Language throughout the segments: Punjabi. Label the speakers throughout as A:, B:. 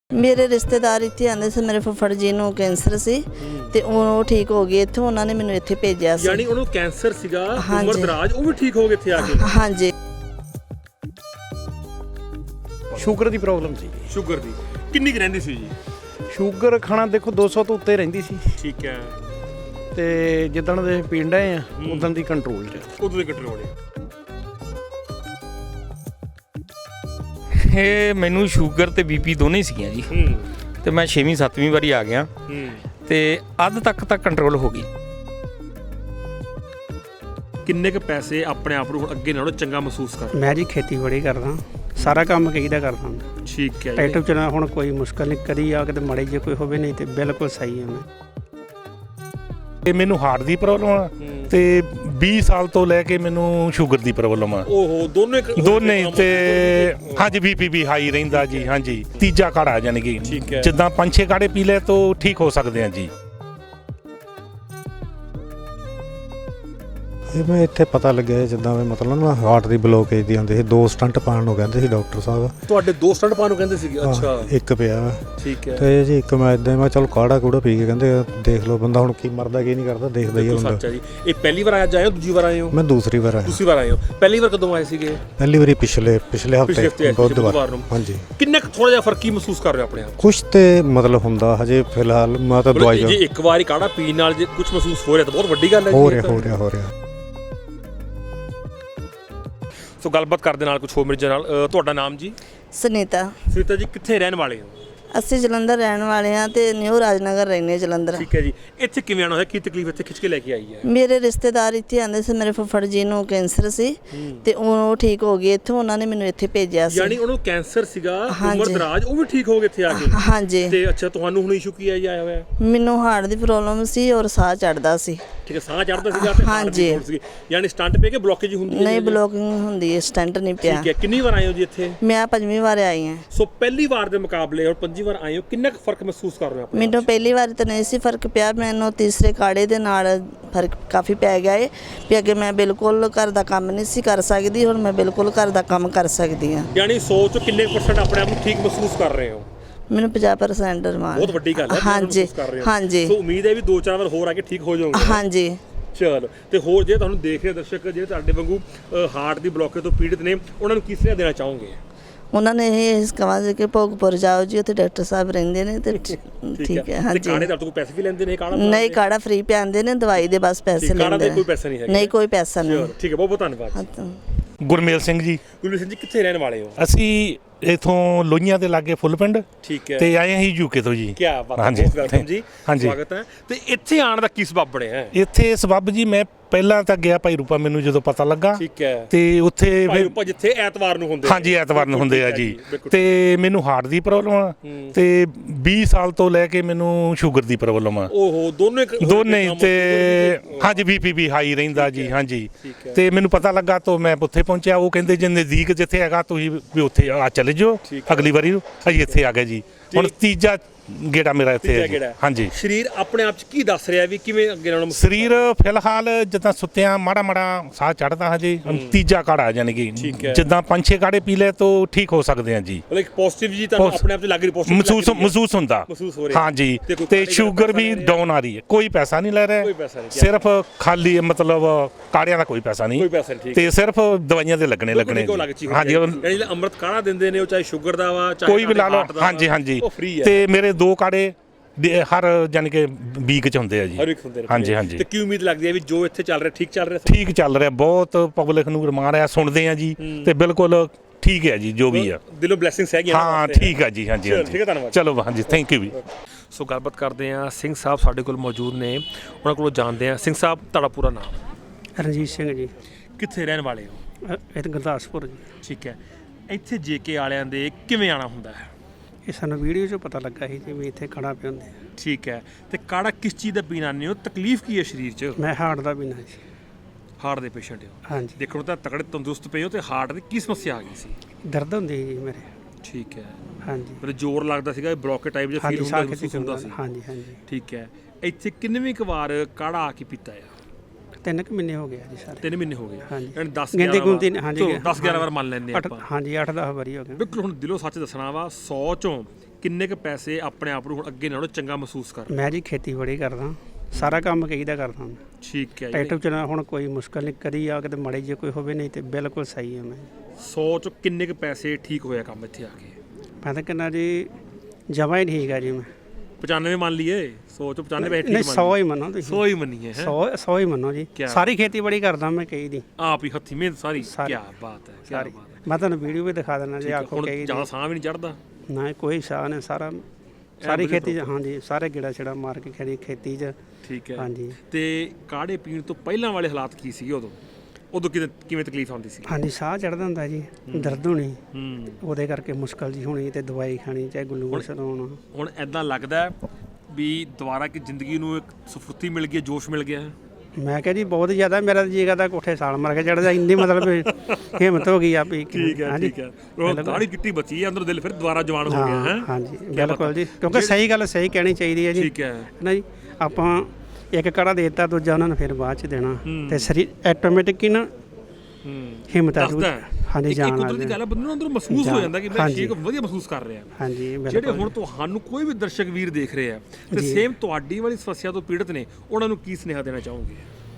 A: ਮੇਰੇ ਰਿਸ਼ਤੇਦਾਰ ਇੱਥੇ ਆਂਦੇ ਸੀ, ਮੇਰੇ ਫੁੱਫੜ ਜੀ ਨੂੰ ਕੈਂਸਰ ਸੀ ਤੇ ਉਹ ਠੀਕ ਹੋ ਗਏ ਇੱਥੋਂ, ਉਹਨਾਂ ਨੇ ਮੈਨੂੰ ਇੱਥੇ ਭੇਜਿਆ ਸੀ।
B: ਯਾਨੀ ਉਹਨੂੰ ਕੈਂਸਰ ਸੀਗਾ, ਉਮਰ ਦਰਾਜ, ਉਹ ਵੀ ਠੀਕ ਹੋ ਗਏ ਇੱਥੇ ਆ ਕੇ।
A: ਹਾਂਜੀ।
C: ਸ਼ੂਗਰ ਦੀ ਪ੍ਰੋਬਲਮ ਸੀ।
B: ਸ਼ੂਗਰ ਦੀ ਕਿੰਨੀ ਕੁ ਰਹਿੰਦੀ ਸੀ ਜੀ?
C: ਸ਼ੂਗਰ ਖਾਣਾ ਦੇਖੋ 200 ਤੋਂ ਉੱਤੇ ਰਹਿੰਦੀ ਸੀ
B: ਠੀਕ ਹੈ।
C: ਤੇ ਜਿੱਦਣ ਦੇ ਪੀਣ ਡਏ ਆ ਉਦੋਂ ਦੀ ਕੰਟਰੋਲ 'ਚ।
B: ਉਦੋਂ ਦੇ ਕੰਟਰੋਲ ਹੈ।
D: ਇਹ ਮੈਨੂੰ ਸ਼ੂਗਰ ਤੇ ਬੀਪੀ ਦੋਨੇ ਸੀਗੀਆਂ ਜੀ ਤੇ ਮੈਂ 6ਵੀਂ 7ਵੀਂ ਵਾਰੀ ਆ ਗਿਆ ਤੇ ਅੱਧ ਤੱਕ ਤਾਂ ਕੰਟਰੋਲ ਹੋ ਗਈ।
B: ਕਿੰਨੇ ਕੁ ਪੈਸੇ ਆਪਣੇ ਆਪ ਨੂੰ ਹੁਣ ਅੱਗੇ ਨਾਲੋਂ ਚੰਗਾ ਮਹਿਸੂਸ ਕਰ?
E: ਮੈਂ ਜੀ ਖੇਤੀਬਾੜੀ ਕਰਦਾ, ਸਾਰਾ ਕੰਮ ਕਹੀਦਾ ਕਰਦਾ।
B: ਠੀਕ ਹੈ।
E: ਟਰੈਕਟਰ ਚਲਾਉਣਾ ਹੁਣ ਕੋਈ ਮੁਸ਼ਕਲ ਨਹੀਂ, ਕਦੀ ਆ ਕਿਤੇ ਮਾੜੇ ਜੇ ਕੋਈ ਹੋਵੇ, ਨਹੀਂ ਤੇ ਬਿਲਕੁਲ ਸਹੀ ਹੈ ਮੈਂ।
F: ਤੇ ਮੈਨੂੰ ਹਾਰਟ ਦੀ ਪ੍ਰੋਬਲਮ ਆ ਤੇ 20 ਸਾਲ ਤੋਂ ਲੈ ਕੇ ਮੈਨੂੰ ਸ਼ੂਗਰ ਦੀ ਪ੍ਰੋਬਲਮ ਆ।
B: ਓਹੋ, ਦੋਨੇ
F: ਤੇ ਹਾਂਜੀ ਬੀਪੀ ਵੀ ਹਾਈ ਰਹਿੰਦਾ ਜੀ। ਹਾਂਜੀ, ਤੀਜਾ ਕਾੜਾ ਯਾਨੀ ਕਿ ਜਿੱਦਾਂ 5-6 ਕਾੜੇ ਪੀ ਲੈ ਤਾਂ ਠੀਕ ਹੋ ਸਕਦੇ ਆ ਜੀ।
G: ਇਹ ਮੈਂ ਇੱਥੇ ਪਤਾ ਲੱਗਿਆ ਜਿੱਦਾਂ ਮੈਂ ਮਤਲਬ ਨਾ ਹਾਰਟ ਦੀ ਬਲੋਕੇਜ ਦੀ ਆਉਂਦੀ ਸੀ, 2 ਸਟੰਟ ਪਾਉਣ ਨੂੰ ਕਹਿੰਦੇ ਸੀ ਡਾਕਟਰ ਸਾਹਿਬ।
B: ਤੁਹਾਡੇ 2 ਸਟੰਟ ਪਾਉਣ ਨੂੰ ਕਹਿੰਦੇ ਸੀਗੇ? ਅੱਛਾ।
G: ਇੱਕ ਪਿਆ ਵਾ।
B: ਠੀਕ ਹੈ।
G: ਤੇ ਜੀ ਇੱਕ ਮੈਂ ਇਦਾਂ ਮੈਂ ਚਲ ਕਾੜਾ ਕੂੜਾ ਪੀ ਕੇ ਕਹਿੰਦੇ ਦੇਖ ਲਓ ਬੰਦਾ ਹੁਣ ਕੀ ਮਰਦਾ ਕੀ ਨਹੀਂ ਕਰਦਾ, ਦੇਖਦਾ ਹੀ ਹੁੰਦਾ।
B: ਸੱਚਾ ਜੀ। ਇਹ ਪਹਿਲੀ ਵਾਰ ਅੱਜ ਆਏ ਹੋ, ਦੂਜੀ ਵਾਰ ਆਏ ਹੋ?
G: ਮੈਂ ਦੂਸਰੀ ਵਾਰ ਆਇਆ।
B: ਦੂਸਰੀ ਵਾਰ ਆਏ ਹੋ। ਪਹਿਲੀ ਵਾਰ ਕਦੋਂ ਆਏ ਸੀਗੇ?
G: ਪਹਿਲੀ ਵਾਰੀ ਪਿਛਲੇ ਹਫਤੇ ਬੁੱਧਵਾਰ ਨੂੰ। ਹਾਂਜੀ।
B: ਕਿੰਨਾ ਥੋੜਾ ਜਿਹਾ ਫਰਕ ਕੀ ਮਹਿਸੂਸ ਕਰ ਰਹੇ ਹੋ ਆਪਣੇ ਆਪ?
G: ਕੁਛ ਤੇ ਮਤਲਬ ਹੁੰਦਾ ਹਜੇ ਫਿਲਹਾਲ ਮੈਂ ਤਾਂ ਦਵਾਈ
B: ਜੇ ਇੱਕ ਵਾਰੀ ਕਾੜਾ ਪੀਣ ਨਾਲ ਜੇ ਕੁਝ ਮਹਿਸੂਸ ਹੋ ਰਿਹਾ ਤਾਂ ਬਹੁਤ ਵੱਡੀ ਗੱਲ ਹੈ।
G: ਹੋ ਰਿਹਾ।
B: ਸੋ ਗੱਲਬਾਤ ਕਰਦੇ ਨਾਲ ਕੁਝ ਹੋਰ ਮਿਰਜਾ ਨਾਲ। ਤੁਹਾਡਾ ਨਾਮ ਜੀ?
A: ਸੁਨੀਤਾ।
B: ਸੁਨੀਤਾ ਜੀ, ਕਿੱਥੇ ਰਹਿਣ ਵਾਲੇ ਹੋ?
A: ਅਸੀਂ ਜਲੰਧਰ ਰਹਿਣ ਵਾਲੇ ਹਾਂ ਤੇ ਨਿਊ ਰਾਜਨਗਰ ਰਹਿੰਦੇ ਜਲੰਧਰ।
B: ਠੀਕ ਹੈ ਜੀ। ਇੱਥੇ ਕਿਵੇਂ ਆਉਣਾ ਹੋਇਆ? ਕੀ ਤਕਲੀਫ ਇੱਥੇ ਖਿੱਚ ਕੇ ਲੈ ਕੇ ਆਈ ਹੈ?
A: ਮੇਰੇ ਰਿਸ਼ਤੇਦਾਰ ਇੱਥੇ ਆਂਦੇ ਸੀ, ਮੇਰੇ ਫੁੱਫੜ ਜੀ ਨੂੰ ਕੈਂਸਰ ਸੀ ਤੇ ਉਹ ਠੀਕ ਹੋ ਗਏ ਇੱਥੋਂ, ਉਹਨਾਂ ਨੇ ਮੈਨੂੰ ਇੱਥੇ ਭੇਜਿਆ ਸੀ।
B: ਯਾਨੀ ਉਹਨੂੰ ਕੈਂਸਰ ਸੀਗਾ, ਉਮਰ ਦਰਾਜ, ਉਹ ਵੀ ਠੀਕ ਹੋ ਗਏ ਇੱਥੇ ਆ ਕੇ।
A: ਹਾਂਜੀ।
B: ਤੇ ਅੱਛਾ, ਤੁਹਾਨੂੰ ਹੁਣ ਇਸ਼ੂ ਕੀ ਹੈ ਜੀ ਆਇਆ ਹੋਇਆ?
A: ਮੈਨੂੰ ਹਾਰਟ ਦੀ ਪ੍ਰੋਬਲਮ ਸੀ ਔਰ ਸਾਹ ਚੜਦਾ ਸੀ।
B: ਠੀਕ ਹੈ। ਸਾਹ ਚੜਦਾ ਸੀਗਾ ਤੇ
A: ਹਾਂਜੀ।
B: ਯਾਨੀ ਸਟੰਟ ਪੇ ਕੇ ਬਲੋਕੇਜ ਹੁੰਦੀ ਹੈ?
A: ਨਹੀਂ, ਬਲੋਕਿੰਗ ਹੁੰਦੀ ਹੈ, ਸਟੰਟ ਨਹੀਂ ਪਿਆ।
B: ਠੀਕ ਹੈ। ਕਿੰਨੀ ਵਾਰ ਆਏ ਹੋ ਜੀ ਇੱਥੇ?
A: ਮੈਂ 5ਵੀਂ ਵਾਰ ਆਈ ਹਾਂ।
B: ਸੋ ਪਹਿਲੀ ਵਾਰ ਦੇ ਮੁਕਾਬਲੇ ਔਰ 5ਵੀਂ ਵਾਰ ਆਏ ਹੋ, ਕਿੰਨਾ ਕੁ ਫਰਕ ਮਹਿਸੂਸ ਕਰ ਰਹੇ ਹੋ ਆਪਣੇ?
A: ਮੈਨੂੰ ਪਹਿਲੀ ਵਾਰ ਤਾਂ ਨਹੀਂ ਸੀ ਫਰਕ ਪਿਆ, ਮੈਨੂੰ ਤੀਸਰੇ ਕਾੜੇ ਦੇ ਨਾਲ ਫਰਕ ਕਾਫੀ ਪੈ ਗਿਆ ਹੈ ਵੀ ਅੱਗੇ ਮੈਂ ਬਿਲਕੁਲ ਘਰ ਦਾ ਕੰਮ ਨਹੀਂ ਸੀ ਕਰ ਸਕਦੀ, ਹੁਣ ਮੈਂ ਬਿਲਕੁਲ ਘਰ ਦਾ ਕੰਮ ਕਰ ਸਕਦੀ ਹਾਂ।
B: ਯਾਨੀ 100 ਚੋਂ ਕਿੰਨੇ % ਆਪਣੇ ਆਪ ਨੂੰ ਠੀਕ ਮਹਿਸੂਸ ਕਰ ਰਹੇ ਹੋ?
A: ਮੈਨੂੰ 50% ਰਮਾਨ।
B: ਬਹੁਤ ਵੱਡੀ ਗੱਲ ਹੈ।
A: ਹਾਂਜੀ। ਹਾਂਜੀ।
B: ਸੋ ਉਮੀਦ ਹੈ ਵੀ 2-4 ਵਾਰ ਹੋਰ ਆ ਕੇ ਠੀਕ ਹੋ ਜਾਓਗੇ।
A: ਹਾਂਜੀ।
B: ਚਲੋ। ਤੇ ਹੋਰ ਜੇ ਤੁਹਾਨੂੰ ਦੇਖ ਰਹੇ ਦਰਸ਼ਕ ਜਿਹੜੇ ਤੁਹਾਡੇ ਵਾਂਗੂ ਹਾਰਟ ਦੀ ਬਲੋਕੇਜ ਤੋਂ ਪੀੜਿਤ ਨੇ, ਉਹਨਾਂ ਨੂੰ ਕੀ ਸੁਨੇਹਾ ਦੇਣਾ ਚਾਹੋਗੇ?
A: ਉਹਨਾਂ ਨੇ ਇਹ ਕਹਾਂ ਕਿ ਭੋਗਪੁਰ ਜਾਓ ਜੀ, ਉੱਥੇ ਡਾਕਟਰ ਸਾਹਿਬ ਰਹਿੰਦੇ ਨੇ ਤੇ ਠੀਕ ਹੈ। ਹਾਂਜੀ।
B: ਕਾੜੇ ਦਾ ਕੋਈ ਪੈਸੇ ਵੀ ਲੈਂਦੇ ਨੇ? ਕਾੜਾ
A: ਨਹੀਂ, ਕਾੜਾ ਫ੍ਰੀ ਪਿਆਉਂਦੇ ਨੇ, ਦਵਾਈ ਦੇ ਬਸ ਪੈਸੇ ਲੈਂਦੇ ਨੇ।
B: ਕਾੜਾ ਦੇ ਕੋਈ ਪੈਸਾ ਨਹੀਂ ਹੈ?
A: ਨਹੀਂ, ਕੋਈ ਪੈਸਾ ਨਹੀਂ।
B: ਠੀਕ ਹੈ, ਬਹੁਤ ਬਹੁਤ ਧੰਨਵਾਦ।
F: ਗੁਰਮੇਲ ਸਿੰਘ ਜੀ।
B: ਗੁਰਮੇਲ ਸਿੰਘ ਜੀ, ਕਿੱਥੇ ਰਹਿਣ ਵਾਲੇ ਹੋ?
F: ਅਸੀਂ ਇਥੋਂ ਲੋਹੀਆਂ ਦੇ ਲਾਗੇ ਫੁੱਲ ਪਿੰਡ
B: ਠੀਕ ਹੈ।
F: ਤੇ ਆਏ ਹਾਂ ਯੂਕੇ ਤੋਂ ਜੀ।
B: ਕੀ ਬਾਤ ਹੈ, ਬਹੁਤ ਵੈਲਕਮ ਜੀ।
F: ਹਾਂਜੀ,
B: ਸਵਾਗਤ ਹੈ। ਤੇ ਇੱਥੇ ਆਉਣ ਦਾ ਕੀ ਸਬਬ ਬਣਿਆ?
F: ਇੱਥੇ ਸਬਬ ਜੀ ਮੈਂ ਪਹਿਲਾਂ ਤਾਂ ਗਿਆ ਭਾਈ ਰੂਪਾ, ਮੈਨੂੰ ਜਦੋਂ ਪਤਾ ਲੱਗਾ।
B: ਠੀਕ ਹੈ।
F: ਤੇ ਉੱਥੇ
B: ਭਾਈ ਰੂਪਾ ਜਿੱਥੇ ਐਤਵਾਰ ਨੂੰ ਹੁੰਦੇ?
F: ਹਾਂਜੀ, ਐਤਵਾਰ ਨੂੰ ਹੁੰਦੇ ਆ ਜੀ। ਤੇ ਮੈਨੂੰ ਹਾਰਟ ਦੀ ਪ੍ਰੋਬਲਮ ਆ ਤੇ 20 ਸਾਲ ਤੋਂ ਲੈ ਕੇ ਮੈਨੂੰ ਸ਼ੂਗਰ ਦੀ ਪ੍ਰੋਬਲਮ ਆ।
B: ਓਹੋ, ਦੋਨੇ
F: ਤੇ ਹਾਂਜੀ ਬੀਪੀ ਵੀ ਹਾਈ ਰਹਿੰਦਾ ਜੀ। ਹਾਂਜੀ। ਤੇ ਮੈਨੂੰ ਪਤਾ ਲੱਗਾ ਤਾਂ ਮੈਂ ਉੱਥੇ ਪਹੁੰਚਿਆ। ਉਹ ਕਹਿੰਦੇ ਜੇ ਨਜ਼ਦੀਕ ਜਿੱਥੇ ਹੈਗਾ ਤੁਸੀਂ ਵੀ ਉੱਥੇ ਆ ਚਲੇ ਜਾਓ, ਅਗਲੀ ਵਾਰੀ ਨੂੰ ਅਸੀਂ ਇੱਥੇ ਆ ਗਏ ਜੀ। ਹੁਣ ਤੀਜਾ ਗੇੜਾ ਮੇਰਾ ਇੱਥੇ ਹੈ। ਹਾਂਜੀ।
B: ਸਰੀਰ ਆਪਣੇ ਆਪ ਚ ਕੀ ਦੱਸ ਰਿਹਾ ਵੀ ਕਿਵੇਂ ਅੱਗੇ ਨਾਲੋਂ?
F: ਸਰੀਰ ਫਿਲਹਾਲ ਜਿੱਦਾਂ ਸੁੱਤਿਆਂ ਮਾੜਾ ਸਾਹ ਚੜਦਾ ਹਜੇ। ਤੀਜਾ ਕਾੜਾ ਯਾਨੀ ਕਿ ਜਿੱਦਾਂ 5-6 ਕਾੜੇ ਪੀ ਲੈ ਤਾਂ ਠੀਕ ਹੋ ਸਕਦੇ ਆ ਜੀ।
B: ਮਤਲਬ ਇੱਕ ਪੋਜ਼ਿਟਿਵ ਜੀ ਤੁਹਾਨੂੰ ਆਪਣੇ ਆਪ ਚ ਲੱਗ ਰਹੀ?
F: ਮਹਿਸੂਸ ਹੁੰਦਾ। ਹਾਂਜੀ। ਤੇ ਸ਼ੂਗਰ ਵੀ ਡਾਊਨ ਆ ਰਹੀ ਹੈ। ਕੋਈ ਪੈਸਾ ਨਹੀਂ ਲੈ ਰਿਹਾ, ਸਿਰਫ ਖਾਲੀ ਮਤਲਬ ਕਾੜਿਆਂ ਦਾ ਕੋਈ ਪੈਸਾ ਨਹੀਂ ਤੇ ਸਿਰਫ ਦਵਾਈਆਂ ਦੇ ਲੱਗਣੇ। ਹਾਂਜੀ।
B: ਜਿਹੜੇ ਅੰਮ੍ਰਿਤ ਕਾੜਾ ਦਿੰਦੇ ਨੇ ਉਹ ਚਾਹੇ ਸ਼ੂਗਰ ਦਾ ਵਾ ਚਾਹੇ
F: ਕੋਈ ਵੀ ਲਾ ਲਓ। ਹਾਂਜੀ। ਤੇ ਮੇਰੇ 2 ਕਾੜੇ ਹਰ ਯਾਨੀ ਕਿ ਵੀਕ ਚ ਹੁੰਦੇ ਆ ਜੀ। ਹਾਂਜੀ।
B: ਤੇ ਕੀ ਉਮੀਦ ਲੱਗਦੀ ਹੈ ਵੀ ਜੋ ਇੱਥੇ ਚੱਲ ਰਿਹਾ ਠੀਕ ਚੱਲ ਰਿਹਾ?
F: ਠੀਕ ਚੱਲ ਰਿਹਾ। ਬਹੁਤ ਪਬਲਿਕ ਨੂੰ ਰਮਾ ਰਿਹਾ, ਸੁਣਦੇ ਆ ਜੀ ਤੇ ਬਿਲਕੁਲ ਠੀਕ ਹੈ ਜੀ, ਜੋ ਵੀ ਆ
B: ਦਿਲੋਂ ਬਲੇਸਿੰਗਸ ਹੈਗੀਆਂ। ਹਾਂ,
F: ਠੀਕ ਆ ਜੀ। ਹਾਂਜੀ।
B: ਠੀਕ ਹੈ, ਧੰਨਵਾਦ।
F: ਚਲੋ ਹਾਂਜੀ, ਥੈਂਕ ਯੂ ਵੀ।
B: ਸੋ ਗੱਲਬਾਤ ਕਰਦੇ ਆ, ਸਿੰਘ ਸਾਹਿਬ ਸਾਡੇ ਕੋਲ ਮੌਜੂਦ ਨੇ, ਉਹਨਾਂ ਕੋਲੋਂ ਜਾਣਦੇ ਆ। ਸਿੰਘ ਸਾਹਿਬ, ਤੁਹਾਡਾ ਪੂਰਾ ਨਾਮ?
E: ਰਣਜੀਤ ਸਿੰਘ ਜੀ।
B: ਕਿੱਥੇ ਰਹਿਣ ਵਾਲੇ ਹੋ?
E: ਇੱਥੇ ਗੁਰਦਾਸਪੁਰ ਜੀ।
B: ਠੀਕ ਹੈ। ਇੱਥੇ ਜੇਕੇ ਵਾਲਿਆਂ ਦੇ ਕਿਵੇਂ ਆਉਣਾ ਹੁੰਦਾ ਹੈ?
E: ਇਹ ਸਾਨੂੰ ਵੀਡੀਓ 'ਚੋਂ ਪਤਾ ਲੱਗਾ ਸੀ ਕਿ ਵੀ ਇੱਥੇ ਕਾੜਾ ਪਿਆਉਂਦੇ ਆ।
B: ਠੀਕ ਹੈ। ਤੇ ਕਾੜਾ ਕਿਸ ਚੀਜ਼ ਦਾ ਪੀਣਾ ਨਹੀਂ ਹੋ? ਤਕਲੀਫ ਕੀ ਹੈ ਸਰੀਰ 'ਚ?
E: ਮੈਂ ਹਾਰਟ ਦਾ ਪੀਣਾ ਜੀ।
B: ਹਾਰਟ ਦੇ ਪੇਸ਼ੈਂਟ ਹੋ?
E: ਹਾਂਜੀ।
B: ਦੇਖੋ ਤਾਂ ਤਕੜੇ ਤੰਦਰੁਸਤ ਪਏ ਹੋ ਤੇ ਹਾਰਟ ਦੀ ਕੀ ਸਮੱਸਿਆ ਆ ਗਈ ਸੀ?
E: ਦਰਦ ਹੁੰਦੀ ਜੀ ਮੇਰੇ।
B: ਠੀਕ ਹੈ।
E: ਹਾਂਜੀ।
B: ਮਤਲਬ ਜ਼ੋਰ ਲੱਗਦਾ ਸੀਗਾ, ਬਲੌਕੇ ਟਾਈਪ ਜਿਹਾ ਫੀਲ ਹੁੰਦਾ ਸੀ?
E: ਹਾਂਜੀ।
B: ਠੀਕ ਹੈ। ਇੱਥੇ ਕਿੰਨਵੀਂ ਕੁ ਵਾਰ ਕਾੜਾ ਆ ਕੇ ਪੀਤਾ ਆ?
E: 3 ਮਹੀਨੇ ਹੋ ਗਏ ਜੀ ਸਾਰੇ।
B: 3 ਮਹੀਨੇ ਹੋ ਗਏ।
E: ਹਾਂਜੀ।
B: ਯਾਨੀ 10
E: ਹਾਂਜੀ
B: 10-11 ਵਾਰ ਮੰਨ ਲੈਂਦੇ ਆਪਾਂ।
E: ਹਾਂਜੀ, 8-10 ਵਾਰੀ ਹੋ ਗਏ।
B: ਬਿਲਕੁਲ। ਹੁਣ ਦਿਲੋਂ ਸੱਚ ਦੱਸਣਾ ਵਾ, 100 ਚੋਂ ਕਿੰਨੇ ਕੁ ਪੈਸੇ ਆਪਣੇ ਆਪ ਨੂੰ ਹੁਣ ਅੱਗੇ ਨਾਲੋਂ ਚੰਗਾ ਮਹਿਸੂਸ ਕਰ ਰਹੇ
E: ਮੈਂ ਜੀ ਖੇਤੀਬਾੜੀ ਕਰਦਾ, ਸਾਰਾ ਕੰਮ ਕਹੀਦਾ ਕਰਦਾ ਮੈਂ।
B: ਠੀਕ ਹੈ ਜੀ
E: ਟਰੈਕਟਰ ਚਲਾਉਣਾ ਹੁਣ ਕੋਈ ਮੁਸ਼ਕਲ ਨਹੀਂ, ਕਦੀ ਆ ਕੇ ਤੇ ਮਾੜੀ ਜੇ ਕੋਈ ਹੋਵੇ, ਨਹੀਂ ਤੇ ਬਿਲਕੁਲ ਸਹੀ ਹੈ ਮੈਂ।
B: 100 ਚ ਕਿੰਨੇ ਕੁ ਪੈਸੇ ਠੀਕ ਹੋਇਆ ਕੰਮ ਇੱਥੇ ਆ ਕੇ?
E: ਮੈਂ ਤਾਂ ਕਹਿੰਦਾ ਜੀ ਜਮਾਂ ਹੀ ਠੀਕ ਹੈ ਜੀ ਮੈਂ।
B: 95 ਮੰਨ ਲਈਏ, 100 ਚ 95 ਪੈਸੇ
E: ਨਹੀਂ
B: ਠੀਕ
E: 100 ਹੀ ਮੰਨੋ ਤੁਸੀਂ,
B: 100 ਹੀ ਮੰਨੀਏ ਹੈ
E: 100 ਹੀ ਮੰਨੋ ਜੀ।
B: ਕਿਆ?
E: ਸਾਰੀ ਖੇਤੀਬਾੜੀ ਕਰਦਾ ਮੈਂ ਕਹੀ ਦੀ
B: ਆਪ ਹੀ ਹੱਥੀਂ ਮਿਹਨਤ ਸਾਰੀ।
E: ਸਾਰੀ।
B: ਕੀ ਬਾਤ ਹੈ, ਕੀ
E: ਸਾਰੀ।
B: ਬਾਤ ਹੈ।
E: ਮੈਂ ਤੁਹਾਨੂੰ ਵੀਡੀਓ ਵੀ ਦਿਖਾ ਦੇਣਾ ਜੀ, ਆਖੋ
B: ਹੁਣ
E: ਕਹੀ
B: ਜ਼ਿਆਦਾ ਸਾਹ ਵੀ ਨਹੀਂ ਚੜਦਾ।
E: ਨਾ ਕੋਈ ਸਾਹ ਨੇ ਸਾਰੀ ਖੇਤੀ 'ਚ, ਹਾਂਜੀ ਸਾਰੇ ਗੇੜਾ ਛੜਾ ਮਾਰ ਕੇ ਖੇਤੀ 'ਚ।
B: ਠੀਕ ਹੈ
E: ਹਾਂਜੀ
B: ਤੇ ਕਾੜੇ ਪੀਣ ਤੋਂ ਪਹਿਲਾਂ ਵਾਲੇ ਹਾਲਾਤ ਕੀ ਸੀਗੇ ਉਦੋਂ ਕਿਵੇਂ ਤਕਲੀਫ ਆਉਂਦੀ ਸੀ?
E: ਹਾਂਜੀ ਸਾਹ ਚੜ੍ਹਦਾ ਹੁੰਦਾ ਜੀ, ਦਰਦ ਹੋਣੀ,
B: ਹੂੰ
E: ਉਹਦੇ ਕਰਕੇ ਮੁਸ਼ਕਲ ਜੀ ਹੋਣੀ ਤੇ ਦਵਾਈ ਖਾਣੀ, ਚਾਹੇ ਗਲੂਕੋਸ ਲਾਉਣਾ।
B: ਹੁਣ ਐਦਾਂ ਲੱਗਦਾ ਹੈ ਵੀ ਦੁਬਾਰਾ ਕਿ ਜ਼ਿੰਦਗੀ ਨੂੰ ਇੱਕ ਸਫੁਰਤੀ ਮਿਲ ਗਈ, ਜੋਸ਼ ਮਿਲ ਗਿਆ ਹੈ?
E: ਮੈਂ ਕਿਹਾ ਜੀ ਬਹੁਤ ਜ਼ਿਆਦਾ, ਮੇਰਾ ਜੀ ਕਰਦਾ ਕੋਠੇ ਸਾਲ ਮਾਰ ਕੇ ਚੜ੍ਹਦਾ, ਇੰਨੀ ਮਤਲਬ ਹਿੰਮਤ ਹੋ ਗਈ ਆ ਵੀ।
B: ਠੀਕ ਹੈ
E: ਹਾਂਜੀ
B: ਠੀਕ ਹੈ। ਉਹ ਦਾੜੀ ਚਿੱਟੀ ਬਚੀ ਹੈ, ਅੰਦਰੋਂ ਦਿਲ ਫਿਰ ਦੁਬਾਰਾ ਜਵਾਨ ਹੋ ਗਿਆ ਹੈ।
E: ਹਾਂਜੀ ਬਿਲਕੁਲ ਜੀ, ਕਿਉਂਕਿ ਸਹੀ ਗੱਲ ਸਹੀ ਕਹਿਣੀ ਚਾਹੀਦੀ ਹੈ ਜੀ।
B: ਠੀਕ ਹੈ
E: ਨਾ ਜੀ, ਆਪਾਂ ਇੱਕ ਕੜਾ ਦੇ ਦਿੱਤਾ, ਦੂਜਾ ਉਹਨਾਂ ਨੂੰ ਫਿਰ ਬਾਅਦ ਚ ਦੇਣਾ, ਤੇ ਸਰੀਰ ਆਟੋਮੈਟਿਕ ਹੀ ਨਾ ਹਿੰਮਤ ਆ ਜੂ। ਹਾਂਜੀ
B: ਇੱਕ
E: ਜਾਣ
B: ਕੁਦਰਤੀ ਗੱਲ ਹੈ, ਬੰਦੇ ਨੂੰ ਅੰਦਰੋਂ ਮਹਿਸੂਸ ਹੋ ਜਾਂਦਾ ਕਿ ਮੈਂ ਸ਼ੇਕ ਵਧੀਆ ਮਹਿਸੂਸ ਕਰ ਰਿਹਾ।
E: ਹਾਂਜੀ
B: ਜਿਹੜੇ
E: ਬਿਲਕੁਲ।
B: ਹੁਣ ਤੁਹਾਨੂੰ ਕੋਈ ਵੀ ਦਰਸ਼ਕ ਵੀਰ ਦੇਖ ਰਹੇ ਆ ਤੇ ਸੇਮ ਤੁਹਾਡੀ ਵਾਲੀ ਸਮੱਸਿਆ ਤੋਂ ਪੀੜਤ ਨੇ, ਉਹਨਾਂ ਨੂੰ ਕੀ ਸੁਨੇਹਾ ਦੇਣਾ ਚਾਹੋਗੇ?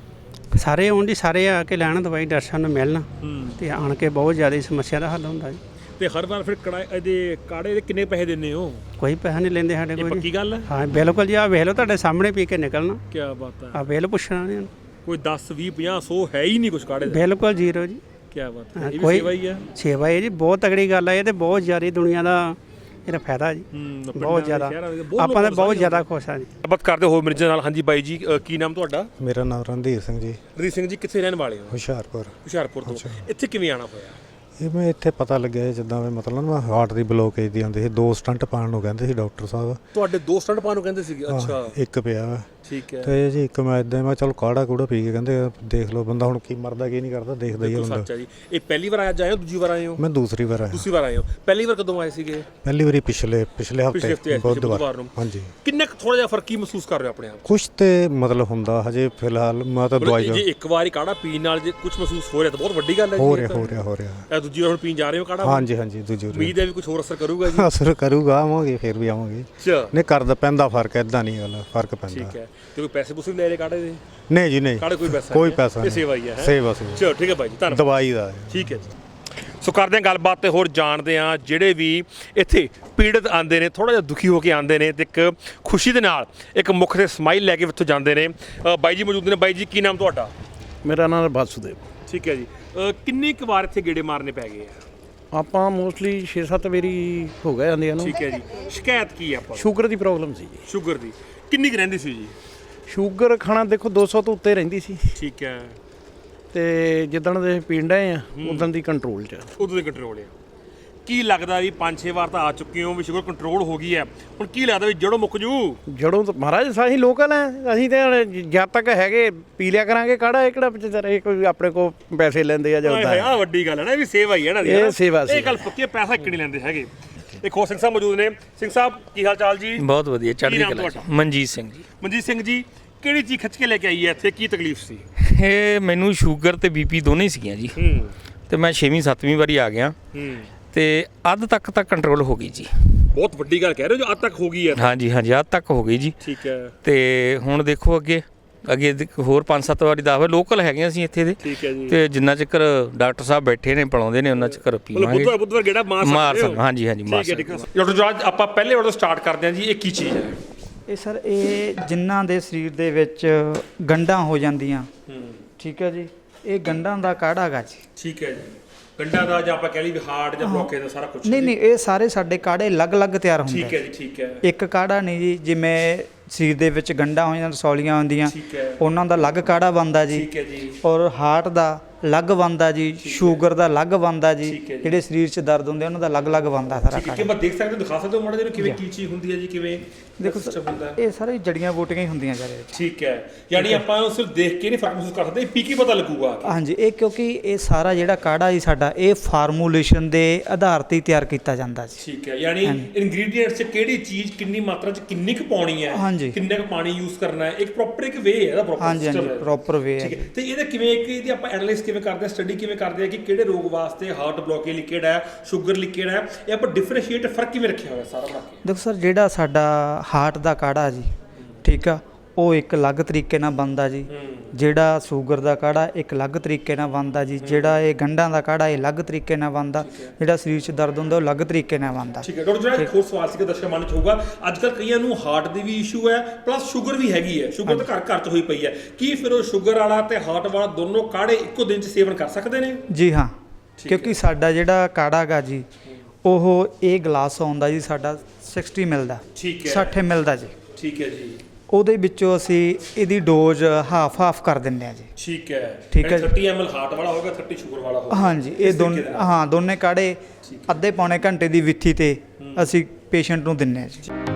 E: ਸਾਰੇ ਆਉਣ ਜੀ, ਸਾਰੇ ਆ ਕੇ ਲੈਣ ਦਵਾਈ, ਡਾਕਟਰ ਸਾਹਿਬ ਨੂੰ ਮਿਲਣ, ਤੇ ਆਣ ਕੇ ਬਹੁਤ ਜ਼ਿਆਦਾ ਸਮੱਸਿਆ ਦਾ ਹੱਲ ਹੁੰਦਾ ਜੀ।
B: ਤੇ ਹਰ ਵਾਰ ਫਿਰ ਇਹਦੇ ਕਾੜੇ ਦੇ ਕਿੰਨੇ ਪੈਸੇ ਦਿੰਦੇ ਹੋ?
E: ਕੋਈ ਪੈਸਾ ਨਹੀਂ ਲੈਂਦੇ ਸਾਡੇ
B: ਇਹ
E: ਕੋਲ ਜੀ।
B: ਪੱਕੀ ਗੱਲ ਹੈ?
E: ਹਾਂ ਬਿਲਕੁਲ ਜੀ, ਆ ਵੇਖ ਲਓ ਤੁਹਾਡੇ ਸਾਹਮਣੇ ਪੀ ਕੇ ਨਿਕਲਣਾ,
B: ਕੀ ਬਾਤ ਹੈ।
E: ਆ ਵੇਖ ਲਓ ਪੁੱਛਣਾ ਨਹੀਂ,
B: ਕੋਈ 10 20 50 100 ਹੈ ਹੀ ਨਹੀਂ ਕੁਝ ਕਾੜੇ ਦਾ?
E: ਬਿਲਕੁਲ ਜ਼ੀਰੋ ਜੀ।
B: ਕੀ ਬਾਤ ਹੈ, ਇਹ ਵੀ
E: ਕੋਈ
B: ਸੇਵਾ ਹੀ ਹੈ।
E: ਸੇਵਾ ਹੈ ਜੀ, ਬਹੁਤ ਤਗੜੀ ਗੱਲ ਹੈ ਇਹ, ਤੇ ਬਹੁਤ ਜ਼ਿਆਦਾ ਦੁਨੀਆ ਦਾ ਇਹਦਾ ਫਾਇਦਾ ਜੀ, ਬਹੁਤ ਜ਼ਿਆਦਾ। ਆਪਾਂ ਤਾਂ ਬਹੁਤ ਜ਼ਿਆਦਾ ਖੁਸ਼ ਹਾਂ ਜੀ।
B: ਗੱਲਬਾਤ ਕਰਦੇ ਹੋ ਮੇਰੇ ਨਾਲ। ਹਾਂਜੀ ਬਾਈ ਜੀ, ਕੀ ਨਾਮ ਤੁਹਾਡਾ?
G: ਮੇਰਾ ਨਾਮ ਰਣਧੀਰ ਸਿੰਘ ਜੀ,
B: ਰਣਜੀਤ ਸਿੰਘ ਜੀ, ਕਿੱਥੇ ਰਹਿਣ ਵਾਲੇ ਹੋ?
G: ਹੁਸ਼ਿਆਰਪੁਰ
B: ਤੋਂ। ਇੱਥੇ ਕਿਵੇਂ ਆਣਾ ਹੋਇਆ?
G: ਇਹ ਮੈਂ ਇੱਥੇ ਪਤਾ ਲੱਗਿਆ ਜਿੱਦਾਂ ਵੀ ਮਤਲਬ ਨਾ ਹਾਰਟ ਦੀ ਬਲੋਕੇਜ ਦੀ ਆਉਂਦੀ ਸੀ, 2 ਸਟੰਟ ਪਾਉਣ ਨੂੰ ਕਹਿੰਦੇ ਸੀ ਡਾਕਟਰ ਸਾਹਿਬ।
B: ਤੁਹਾਡੇ 2 ਸਟੰਟ ਪਾਉਣ ਨੂੰ ਕਹਿੰਦੇ ਸੀਗੇ? ਅੱਛਾ
G: ਇੱਕ ਪਿਆ
B: ਠੀਕ ਹੈ।
G: ਤੇ ਜੀ ਇੱਕ ਮੈਂ ਇਦਾਂ ਮੈਂ ਚਲ ਕਾੜਾ ਕੂੜਾ ਪੀ ਕੇ ਕਹਿੰਦੇ ਦੇਖ ਲਓ ਬੰਦਾ ਹੁਣ ਕੀ ਮਰਦਾ ਕੀ ਨਹੀਂ ਕਰਦਾ, ਦੇਖਦਾ ਹੀ ਹੁੰਦਾ।
B: ਸੱਚ ਹੈ ਜੀ। ਇਹ ਪਹਿਲੀ ਵਾਰ ਆਏ ਹੋ, ਦੂਜੀ ਵਾਰ ਆਏ ਹੋ?
G: ਮੈਂ ਦੂਸਰੀ ਵਾਰ ਆਇਆ।
B: ਦੂਸਰੀ ਵਾਰ ਆਏ ਹੋ। ਪਹਿਲੀ ਵਾਰ ਕਦੋਂ ਆਏ ਸੀਗੇ?
G: ਪਹਿਲੀ ਵਾਰੀ ਪਿਛਲੇ
B: ਹਫ਼ਤੇ
G: ਹਫਤੇ ਬੁੱਧਵਾਰ
B: ਨੂੰ।
G: ਹਾਂਜੀ।
B: ਕਿੰਨਾ ਥੋੜਾ ਜਿਹਾ ਫਰਕ ਕੀ ਮਹਿਸੂਸ ਕਰ ਰਹੇ ਹੋ ਆਪਣੇ ਆਪ?
G: ਕੁਛ ਤੇ ਮਤਲਬ ਹੁੰਦਾ ਹਜੇ ਫਿਲਹਾਲ ਮੈਂ ਤਾਂ ਦਵਾਈ
B: ਜੇ ਇੱਕ ਵਾਰੀ ਕਾੜਾ ਪੀਣ ਨਾਲ ਜੇ ਕੁਝ ਮਹਿਸੂਸ ਹੋ ਰਿਹਾ ਤਾਂ ਬਹੁਤ ਵੱਡੀ ਗੱਲ ਹੈ ਜੀ।
G: ਹੋ ਰਿਹਾ
B: ਇਹ ਦੂਜੀ ਵਾਰ ਹੁਣ ਪੀਣ ਜਾ ਰਹੇ ਹੋ ਕਾੜਾ?
G: ਹਾਂਜੀ ਦੂਜੀ ਵਾਰੀ
B: ਉਮੀਦ ਹੈ ਵੀ ਕੁਝ ਹੋਰ ਅਸਰ ਕਰੂਗਾ ਜੀ।
G: ਅਸਰ ਕਰੂਗਾ, ਆਵਾਂਗੇ ਫਿਰ ਵੀ ਆਵਾਂਗੇ।
B: ਅੱਛਾ
G: ਨਹੀਂ ਕਰਦਾ ਪੈਂਦਾ ਫਰਕ, ਇਦਾਂ ਨਹੀਂ ਗੱਲ, ਫਰਕ ਪੈਂਦਾ।
B: ਠੀਕ ਹੈ। ਤੇ ਕੋਈ ਪੈਸੇ ਪੂਸੇ ਵੀ ਲੈ ਰਹੇ ਕਾੜੇ ਦੇ?
G: ਨਹੀਂ ਜੀ ਨਹੀਂ,
B: ਕਾੜੇ ਕੋਈ ਪੈਸਾ
G: ਕੋਈ
B: ਨਹੀਂ ਹੈ?
G: ਪੈਸਾ
B: ਇਹ
G: ਨਹੀਂ,
B: ਸੇਵਾ ਹੀ ਹੈ।
G: ਸੇਵਾ
B: ਚਲੋ ਠੀਕ ਹੈ ਬਾਈ ਜੀ, ਧੰਨਵਾਦ।
G: ਦਵਾਈ ਦਾ ਹੈ।
B: ਠੀਕ ਹੈ ਜੀ। ਸੋ ਕਰਦੇ ਹਾਂ ਗੱਲਬਾਤ ਤੇ ਹੋਰ ਜਾਣਦੇ ਹਾਂ ਜਿਹੜੇ ਵੀ ਇੱਥੇ ਪੀੜਤ ਆਉਂਦੇ ਨੇ, ਥੋੜਾ ਜਿਹਾ ਦੁਖੀ ਹੋ ਕੇ ਆਉਂਦੇ ਨੇ ਤੇ ਇੱਕ ਖੁਸ਼ੀ ਦੇ ਨਾਲ ਇੱਕ ਮੁੱਖ ਤੇ ਸਮਾਈਲ ਲੈ ਕੇ ਇੱਥੋਂ ਜਾਂਦੇ ਨੇ। ਬਾਈ ਜੀ ਮੌਜੂਦ ਨੇ। ਬਾਈ ਜੀ ਕੀ ਨਾਮ ਤੁਹਾਡਾ?
C: ਮੇਰਾ ਨਾਮ ਵਾਸੁਦੇਵ।
B: ਠੀਕ ਹੈ ਜੀ। ਕਿੰਨੀ ਕੁ ਵਾਰ ਇੱਥੇ ਗੇੜੇ ਮਾਰਨੇ ਪੈ ਗਏ ਆ?
C: ਆਪਾਂ ਮੋਸਟਲੀ 6-7 ਵਾਰੀ ਹੋ ਗਏ ਆਂਦੇ ਨੂੰ।
B: ਠੀਕ ਹੈ ਜੀ। ਸ਼ਿਕਾਇਤ ਕੀ ਹੈ ਆਪਾਂ ਨੂੰ?
C: ਸ਼ੂਗਰ ਦੀ ਪ੍ਰੋਬਲਮ ਸੀ ਜੀ।
B: ਸ਼ੂਗਰ ਦੀ ਕਿੰਨੀ ਕੁ ਰਹਿੰਦੀ ਸੀ ਜੀ?
C: ਸ਼ੂਗਰ ਖਾਣਾ ਦੇਖੋ 200 ਤੋਂ ਉੱਤੇ ਰਹਿੰਦੀ ਸੀ,
B: ਠੀਕ ਹੈ।
C: ਤੇ ਜਿੱਦਣ ਦੇ ਪੀਣ ਡਏ ਆ ਉਦੋਂ ਦੀ ਕੰਟਰੋਲ 'ਚ।
B: ਉਦੋਂ ਦੇ ਕੰਟਰੋਲ ਆ। ਕੀ ਲੱਗਦਾ ਵੀ 5-6 ਵਾਰ ਤਾਂ ਆ ਚੁੱਕੇ ਹੋ ਵੀ ਸ਼ੂਗਰ ਕੰਟਰੋਲ ਹੋ ਗਈ ਹੈ, ਹੁਣ ਕੀ ਲੱਗਦਾ ਵੀ ਜੜੋਂ ਮੁੱਕ ਜੂ?
C: ਜੜੋਂ ਤਾਂ ਮਹਾਰਾਜ ਅਸੀਂ ਲੋਕਲ ਐ, ਅਸੀਂ ਤਾਂ ਜਦ ਤੱਕ ਹੈਗੇ ਪੀ ਲਿਆ ਕਰਾਂਗੇ ਕਾੜਾ। ਇਹ ਕਿਹੜਾ ਵਿਚਾਰੇ ਕੋਈ ਆਪਣੇ ਕੋ ਪੈਸੇ ਲੈਂਦੇ ਆ ਜਾਂ ਉਦਾਂ।
B: ਆਹ ਵੱਡੀ ਗੱਲ ਹੈ ਨਾ, ਇਹ ਵੀ ਸੇਵਾ ਹੀ ਹੈ ਨਾ।
C: ਇਹ ਸੇਵਾ ਸੀ।
B: ਇਹ ਗੱਲ ਪੱਕੀ, ਪੈਸਾ ਇੱਕ ਨਹੀਂ ਲੈਂਦੇ ਹੈਗੇ। ਇੱਕ ਹੋਰ ਸਿੰਘ ਸਾਹਿਬ ਮੌਜੂਦ ਨੇ। ਸਿੰਘ ਸਾਹਿਬ ਕੀ ਹਾਲ ਚਾਲ ਜੀ?
D: ਬਹੁਤ ਵਧੀਆ, ਚੜ੍ਹਦੀ
B: ਕੀ ਨਾਮ
D: ਕਲਾ।
B: ਤੁਹਾਡਾ?
D: ਮਨਜੀਤ ਸਿੰਘ ਜੀ।
B: ਮਨਜੀਤ ਸਿੰਘ ਜੀ, ਕਿਹੜੀ ਚੀਜ਼ ਖਿੱਚ ਕੇ ਲੈ ਕੇ ਆਈ ਹੈ ਇੱਥੇ? ਕੀ ਤਕਲੀਫ ਸੀ?
D: ਇਹ ਮੈਨੂੰ ਸ਼ੂਗਰ ਤੇ ਬੀਪੀ ਦੋਨੇ ਸੀਗੀਆਂ ਜੀ, ਤੇ ਮੈਂ 6ਵੀਂ 7ਵੀਂ ਵਾਰੀ ਆ ਗਿਆ, ਤੇ ਅੱਧ ਤੱਕ ਤਾਂ ਕੰਟਰੋਲ ਹੋ ਗਈ ਜੀ।
B: ਬਹੁਤ ਵੱਡੀ ਗੱਲ ਕਹਿ ਰਹੇ ਹੋ, ਜੋ ਅੱਧ ਤੱਕ ਹੋ ਗਈ ਹੈ।
D: ਹਾਂਜੀ ਅੱਧ ਤੱਕ ਹੋ ਗਈ ਜੀ।
B: ਠੀਕ ਹੈ।
D: ਤੇ ਹੁਣ ਦੇਖੋ ਅੱਗੇ ਹੋਰ 5-7 ਵਾਰੀ 10 ਵਾਰ ਲੋਕਲ ਹੈਗੇ ਅਸੀਂ ਇੱਥੇ ਦੇ।
B: ਠੀਕ ਹੈ ਜੀ।
D: ਤੇ ਜਿੰਨਾ ਚਿਰ ਡਾਕਟਰ ਸਾਹਿਬ ਬੈਠੇ ਨੇ ਪਲਾਉਂਦੇ ਨੇ ਉਹਨਾਂ ਚਿਰ ਪੀਵਾਂਗੇ।
B: ਬੁੱਧਵਾਰ ਗੇੜਾ ਮਾਰ ਸਕਦੇ ਹੋ?
D: ਹਾਂਜੀ ਮਾਰ ਸਕਦੇ।
B: ਡਾਕਟਰ ਜਵਾਜ, ਆਪਾਂ ਪਹਿਲੇ ਵਾਰ ਤੋਂ ਸਟਾਰਟ ਕਰਦੇ ਹਾਂ ਜੀ। ਇਹ ਕੀ ਚੀਜ਼ ਹੈ?
H: ਇਹ ਸਰ ਇਹ ਜਿਨ੍ਹਾਂ ਦੇ ਸਰੀਰ ਦੇ ਵਿੱਚ ਗੰਢਾਂ ਹੋ ਜਾਂਦੀਆਂ, ਠੀਕ ਹੈ ਜੀ, ਇਹ ਗੰਢਾਂ ਦਾ ਕਾੜਾ ਹੈਗਾ ਜੀ।
B: ਠੀਕ ਹੈ ਜੀ। ਗੰਢਾਂ ਦਾ ਜਾਂ ਆਪਾਂ ਕਹਿ ਲਈ ਵੀ ਹਾਰਟ ਜਾਂ ਬਲੋਕੇਜ ਦਾ ਸਾਰਾ ਕੁਝ?
H: ਨਹੀਂ ਇਹ ਸਾਰੇ ਸਾਡੇ ਕਾੜੇ ਅਲੱਗ-ਅਲੱਗ ਤਿਆਰ ਹੁੰਦੇ।
B: ਠੀਕ ਹੈ ਜੀ। ਠੀਕ ਹੈ।
H: ਇੱਕ ਕਾੜਾ ਨਹੀਂ ਜੀ, ਜਿਵੇਂ ਸਰੀਰ ਦੇ ਵਿੱਚ ਗੰਢਾਂ ਹੋ ਜਾਂਦੀਆਂ, ਰਸੌਲੀਆਂ ਹੁੰਦੀਆਂ,
B: ਠੀਕ ਹੈ।
H: ਉਹਨਾਂ ਦਾ ਅਲੱਗ ਕਾੜਾ ਬਣਦਾ ਜੀ।
B: ਠੀਕ ਹੈ ਜੀ।
H: ਔਰ ਹਾਰਟ ਦਾ ਅਲੱਗ ਬਣਦਾ ਜੀ, ਸ਼ੂਗਰ ਦਾ ਅਲੱਗ ਬਣਦਾ ਜੀ, ਜਿਹੜੇ ਸਰੀਰ 'ਚ ਦਰਦ ਹੁੰਦੇ ਉਹਨਾਂ ਦਾ ਅਲੱਗ-ਅਲੱਗ ਬਣਦਾ ਸਾਰਾ ਕਾੜਾ।
B: ਕਿ ਮੈਂ ਦੇਖ ਸਕਦਾ, ਦਿਖਾ ਸਕਦੇ ਹੋ ਮਾੜਾ ਜਿਹਾ ਕਿਵੇਂ ਕੀ ਚੀਜ਼ ਹੁੰਦੀ ਹੈ ਜੀ, ਕਿਵੇਂ
H: ਦੇਖੋ ਇਹ ਸਾਰੇ ਜੜੀਆਂ ਬੂਟੀਆਂ ਹੀ ਹੁੰਦੀਆਂ ਜੀ।
B: ਠੀਕ ਹੈ। ਯਾਨੀ ਆਪਾਂ ਨੂੰ ਸਿਰਫ ਦੇਖ ਕੇ ਨਹੀਂ ਫਰਕ ਮਹਿਸੂਸ ਕਰ ਸਕਦੇ, ਪੀ ਕੇ ਪਤਾ ਲੱਗੂਗਾ।
H: ਹਾਂਜੀ, ਇਹ ਕਿਉਂਕਿ ਇਹ ਸਾਰਾ ਜਿਹੜਾ ਕਾੜਾ ਜੀ ਸਾਡਾ, ਇਹ ਫਾਰਮੂਲੇਸ਼ਨ ਦੇ ਆਧਾਰ ਤੇ ਤਿਆਰ ਕੀਤਾ ਜਾਂਦਾ ਜੀ।
B: ਠੀਕ ਹੈ। ਯਾਨੀ ਇਨਗਰੀਡੀਐਂਟਸ 'ਚ ਕਿਹੜੀ ਚੀਜ਼ ਕਿੰਨੀ ਮਾਤਰਾ 'ਚ ਕਿੰਨੀ ਕੁ ਪਾਉਣੀ ਹੈ, ਕਿੰਨਾ ਕੁ ਪਾਣੀ ਯੂਜ਼ ਕਰਨਾ ਹੈ, ਇੱਕ ਪ੍ਰੋਪਰ ਇੱਕ ਵੇ ਹੈ ਇਹਦਾ, ਪ੍ਰੋਪਰ ਸਿਸਟਮ ਹੈ।
H: ਪ੍ਰੋਪਰ ਵੇ ਹੈ।
B: ਤੇ ਇਹਦਾ ਕਿਵੇਂ ਇਹਦੀ ਆਪਾਂ ਐਨਾਲਾਈਜ਼ ਕਿਵੇਂ ਕਰਦੇ ਆ, ਸਟੱਡੀ ਕਿਵੇਂ ਕਰਦੇ ਆ ਕਿ ਕਿਹੜੇ ਰੋਗ ਵਾਸਤੇ ਹਾਰਟ ਬਲੋਕੇਜ ਲਿਕਵਿਡ ਹੈ, ਸ਼ੂਗਰ ਲਿਕਵਿਡ ਹੈ, ਇਹ ਆਪਾਂ ਡਿਫਰੈਂਸ਼ੀਏਟ ਫਰਕ ਕਿਵੇਂ ਰੱਖਿਆ ਹੋਇਆ ਸਾਰਾ ਬਣਾ ਕੇ?
H: ਦੇਖੋ ਸਰ, ਜਿਹੜਾ ਸਾਡਾ ਹਾਰਟ ਦਾ ਕਾੜਾ ਜੀ, ਠੀਕ ਆ, ਉਹ ਇੱਕ ਅਲੱਗ ਤਰੀਕੇ ਨਾਲ ਬਣਦਾ ਜੀ। ਜਿਹੜਾ ਸ਼ੂਗਰ ਦਾ ਕਾੜਾ ਇੱਕ ਅਲੱਗ ਤਰੀਕੇ ਨਾਲ ਬਣਦਾ ਜੀ। ਜਿਹੜਾ ਇਹ ਗੰਢਾਂ ਦਾ ਕਾੜਾ ਇਹ ਅਲੱਗ ਤਰੀਕੇ ਨਾਲ ਬਣਦਾ। ਜਿਹੜਾ ਸਰੀਰ 'ਚ ਦਰਦ ਹੁੰਦਾ ਉਹ ਅਲੱਗ ਤਰੀਕੇ ਨਾਲ ਬਣਦਾ।
B: ਠੀਕ ਹੈ ਡਾਕਟਰ, ਜਿਹੜਾ ਇੱਕ ਹੋਰ ਸਵਾਲ ਸੀਗਾ ਦਰਸ਼ਕ ਮਨ 'ਚ ਹੋਊਗਾ, ਅੱਜ ਕੱਲ੍ਹ ਕਈਆਂ ਨੂੰ ਹਾਰਟ ਦੀ ਵੀ ਇਸ਼ੂ ਹੈ ਪਲੱਸ ਸ਼ੂਗਰ ਵੀ ਹੈਗੀ ਹੈ। ਸ਼ੂਗਰ ਤਾਂ ਘਰ 'ਚ ਹੋਈ ਪਈ ਹੈ, ਕੀ ਫਿਰ ਉਹ ਸ਼ੂਗਰ ਵਾਲਾ ਤੇ ਹਾਰਟ ਵਾਲਾ ਦੋਨੋਂ ਕਾੜੇ ਇੱਕੋ ਦਿਨ 'ਚ ਸੇਵਨ ਕਰ ਸਕਦੇ ਨੇ?
H: ਜੀ ਹਾਂ, ਕਿਉਂਕਿ ਸਾਡਾ ਜਿਹੜਾ ਕਾੜਾ ਗਾ ਜੀ, ਉਹ ਇਹ ਗਲਾਸ ਆਉਂਦਾ ਜੀ ਸਾਡਾ 60 ml ਦਾ।
B: ਠੀਕ ਹੈ,
H: 60 ml ਦਾ ਜੀ।
B: ਠੀਕ ਹੈ ਜੀ।
H: ਉਹਦੇ ਵਿੱਚੋਂ ਅਸੀਂ ਇਹਦੀ ਡੋਜ਼ ਹਾਫ ਕਰ ਦਿੰਦੇ ਆ ਜੀ।
B: ਠੀਕ ਹੈ,
H: ਠੀਕ ਹੈ ਜੀ।
B: 30 ml ਹਾਰਟ ਵਾਲਾ ਹੋਗਾ, 30 ਸ਼ੂਗਰ ਵਾਲਾ ਹੋਗਾ।
H: ਹਾਂਜੀ, ਇਹ ਦੋਨੇ ਕਾੜੇ ਅੱਧੇ ਪੌਣੇ ਘੰਟੇ ਦੀ ਵਿੱਥੀ ਤੇ ਅਸੀਂ ਪੇਸ਼ੈਂਟ ਨੂੰ ਦਿੰਦੇ ਆ ਜੀ।